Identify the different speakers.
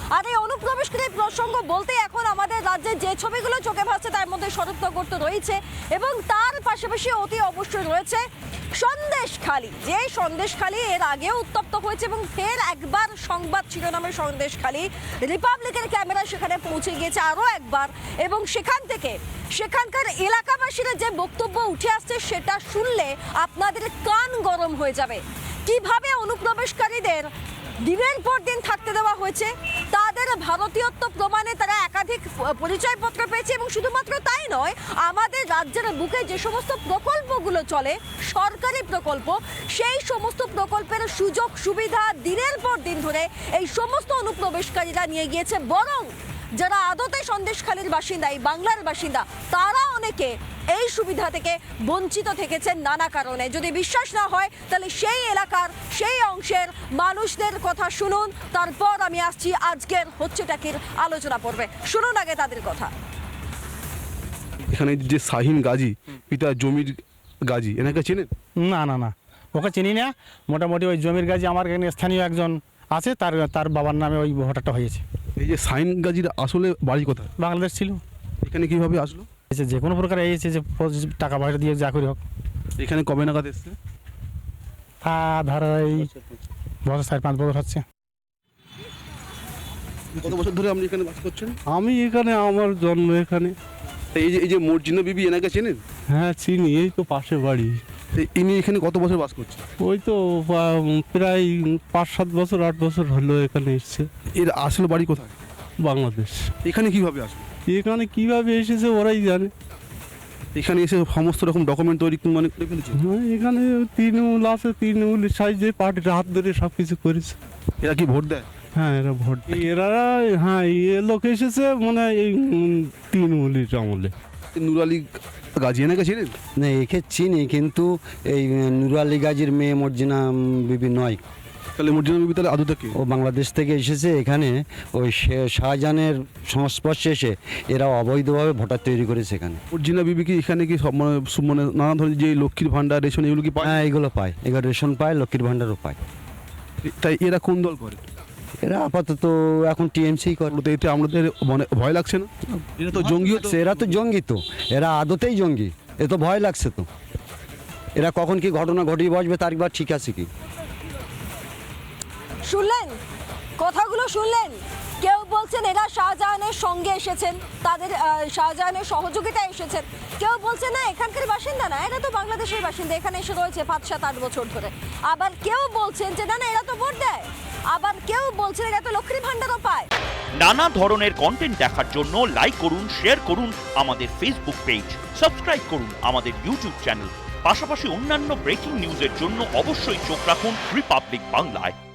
Speaker 1: আর এই অনুপ্রবেশকারী প্রসঙ্গ বলতে এখন আমাদের রাজ্যে যে ছবিগুলো চোখে ভাসছে তার মধ্যে শরৎনগর তো রয়েছে, এবং তার পাশাপাশি অতি অবশ্যই রয়েছে সন্দেশখালী। যে সন্দেশখালী এর আগেও উত্তপ্ত হয়েছে এবং ফের একবার সংবাদ শিরোনামের সন্দেশখালী, রিপাবলিকের ক্যামেরা সেখানে পৌঁছে গিয়েছে আরও একবার, এবং সেখান থেকে সেখানকার এলাকাবাসীরা যে বক্তব্য উঠে আসছে সেটা শুনলে আপনাদের কান গরম হয়ে যাবে। কিভাবে অনুপ্রবেশকারীদের দিনের পর দিন থাকতে দেওয়া হয়েছে, তাদের ভারতীয়ত্ব প্রমাণে তারা একাধিক পরিচয়পত্র পেয়েছে, এবং শুধুমাত্র তাই নয়, আমাদের রাজ্যের বুকে যে সমস্ত প্রকল্পগুলো চলে সরকারি প্রকল্প, সেই সমস্ত প্রকল্পের সুযোগ সুবিধা দিনের পর দিন ধরে এই সমস্ত অনুপ্রবেশকারীরা নিয়ে গিয়েছে। বরং যারা আদতে সন্দেশখালীর বাসিন্দা, এই বাংলার বাসিন্দা, তারা অনেকে এই সুবিধা থেকে বঞ্চিত থেকেছেন নানা কারণে। যদি বিশ্বাস না হয় তাহলে সেই এলাকার সেই অংশের মানুষদের কথা শুনুন, তারপর আমি আসছি আজকের হচ্ছেটাকির আলোচনা পর্বে। শুনুন আগে তাদের কথা।
Speaker 2: এখানে যে শাহিন গাজী, পিতা জমির গাজী, এনাকে চেনেন?
Speaker 3: না না না, ওকে চিনি না। মোটামুটি ওই জমির গাজী আমার এখানে স্থানীয় একজন আছে, তার বাবার নামে ওই ভোটারটা হয়েছে।
Speaker 2: এই যে শাহিন গাজীর আসলে বাড়ি কোথায়?
Speaker 3: বাংলাদেশ ছিল।
Speaker 2: এখানে কিভাবে আসলো?
Speaker 3: যে কোনো প্রকার এসেছে, যে টাকা পয়সা দিয়ে যা করি হোক।
Speaker 2: এখানে কবে নাগাদ এসছে?
Speaker 3: ধরো এই বছর 4-5 বছর হচ্ছে।
Speaker 2: কত বছর ধরে আপনি এখানে বাস করছেন?
Speaker 4: আমি এখানে, আমার জন্ম এখানে।
Speaker 2: এই যে মর্জিনা বিবি, এনাকে চেনেন?
Speaker 4: হ্যাঁ চিনি, এই তো পাশে বাড়ি।
Speaker 2: ইনি এখানে কত বছর বাস করছেন?
Speaker 4: ওই তো প্রায় 5-7 বছর 8 বছর হলো এখানে এসছে।
Speaker 2: এর আসলে বাড়ি কোথায়?
Speaker 4: বাংলাদেশ।
Speaker 2: এখানে কিভাবে আসলো?
Speaker 4: এখানে কিভাবে এসেছে ওরাই জানে।
Speaker 2: এখানে এসে সমস্ত রকম ডকুমেন্ট তৈরি মানে করে ফেলেছে।
Speaker 4: হ্যাঁ, এখানে তৃণমূল আছে, তৃণমূলের সাইজে পার্টির হাত ধরে সব কিছু করেছে।
Speaker 2: এরা কি ভোট দেয়?
Speaker 4: হ্যাঁ এরা ভোট দেয়। এরা, হ্যাঁ এ লোক এসেছে মানে এই তৃণমূলের আমলে।
Speaker 2: নুর আলী গাজী, এনাকে চেনেন?
Speaker 5: না, একে চিনি, কিন্তু এই নুর আলী গাজীর মেয়ে মর্জিনা বিবি নয়।
Speaker 2: তাহলে মর্জিনা বিবি তাহলে আদৌ কি?
Speaker 5: ও বাংলাদেশ থেকে এসেছে এখানে, ওই শাহজাহানের সংস্পর্শে এসে এরা অবৈধভাবে ভোটার তৈরি করেছে এখানে।
Speaker 2: মর্জিনা বিবি কি এখানে কি সব মানে নানা ধরনের যে লক্ষ্মীর ভান্ডার, রেশন, এগুলো কি পায়?
Speaker 5: হ্যাঁ এগুলো পায়, এগুলো রেশন পায়, লক্ষ্মীর ভাণ্ডারও পায়।
Speaker 2: তাই এরা কোন দল করে?
Speaker 5: এরা আপাতত এখন টিএমসি করে।
Speaker 2: তো এতে আমাদের মানে ভয় লাগছে না? এরা তো জঙ্গি হচ্ছে।
Speaker 5: এরা তো জঙ্গি, তো এরা আদতেই জঙ্গি, এ তো ভয় লাগছে। তো এরা কখন কি ঘটনা ঘটিয়ে বসবে তার একবার ঠিক আছে কি?
Speaker 1: শুনলেন কথাগুলো, শুনলেন? কেউ বলছেন এরা শাহজাহানের সঙ্গে এসেছেন, তাদের শাহজাহানের সহযোগিতায় এসেছেন। কেউ বলছে না এখানকার বাসিন্দা না, এরা তো বাংলাদেশের বাসিন্দা, এখানে এসে রয়েছে 5-7-8 বছর ধরে। আবার কেউ বলছেন যে না না এরা তো ভোট দেয়, আবার কেউ বলছেন এরা তো লক্ষ্মীর ভান্ডারও পায়।
Speaker 6: নানা ধরনের কন্টেন্ট দেখার জন্য লাইক করুন, শেয়ার করুন আমাদের ফেসবুক পেজ, সাবস্ক্রাইব করুন আমাদের ইউটিউব চ্যানেল। পাশাপাশি অন্যান্য ব্রেকিং নিউজের জন্য অবশ্যই চোখ রাখুন রিপাবলিক বাংলায়।